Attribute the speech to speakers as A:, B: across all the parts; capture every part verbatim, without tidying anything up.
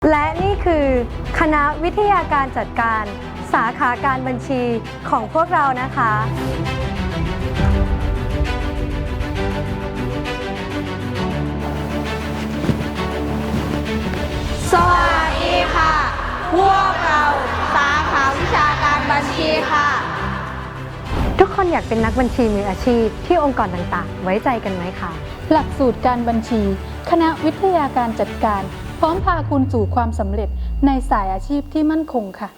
A: และนี่คือคณะวิทยาการจัดการสาขาการบัญชีของพวกเรานะคะ
B: สวัสดีค่ะ พวกเราสาขาวิชาการบัญชีค่ะ
A: ทุกคนอยากเป็นนักบัญชีมืออาชีพที่องค์กรต่างๆ ไว้ใจกันไหมคะ
C: หลักสูตรการบัญชี คณะวิทยาการจัดการ พร้อมพาคุณสู่ความสำเร็จในสายอาชีพที่มั่นคงค่ะ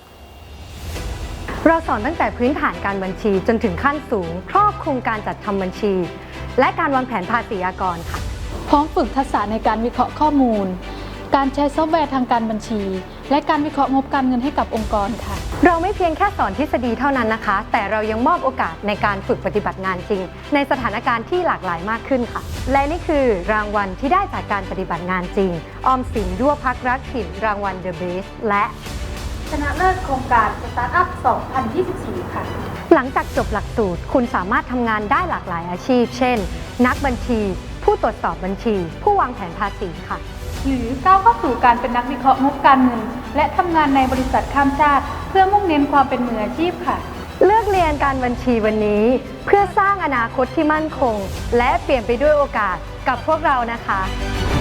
A: เราสอนตั้งแต่พื้นฐานการบัญชีจนถึงขั้นสูงครอบคลุมการจัดทำบัญชี และการวางแผนภาษีอากรค่ะ
C: พร้อมฝึกทักษะในการวิเคราะห์ข้อมูล การใช้ซอฟต์แวร์ทางการบัญชี และการวิเคราะห์งบการเงินให้กับองค์กรค่ะ
A: เราไม่เพียงแค่สอนทฤษฎีเท่านั้นนะคะ แต่เรายังมอบโอกาสในการฝึกปฏิบัติงานจริง ในสถานการณ์ที่หลากหลายมากขึ้นค่ะ และนี่คือรางวัลที่ได้จากการปฏิบัติงานจริง ออมสินด้วพักรักถิ่นรางวัล The Best และ
C: ชนะเลิศโครงการสตาร์ทอัพ สองพันยี่สิบสี่ ค่ะ
A: หลังจากจบหลักสูตรคุณสามารถทำงานได้หลากหลายอาชีพ เช่น นักบัญชี ผู้ตรวจสอบบัญชี ผู้วางแผนภาษีค่ะ
C: หรือก้าวเข้าสู่การเป็นนักวิเคราะห์งบการเงิน และทำงานในบริษัทข้ามชาติ เพื่อมุ่งเน้นความเป็นมืออาชีพค่ะ
A: เลือกเรียนการบัญชีวันนี้ เพื่อสร้างอนาคตที่มั่นคง และเปลี่ยนไปด้วยโอกาสกับพวกเรานะคะ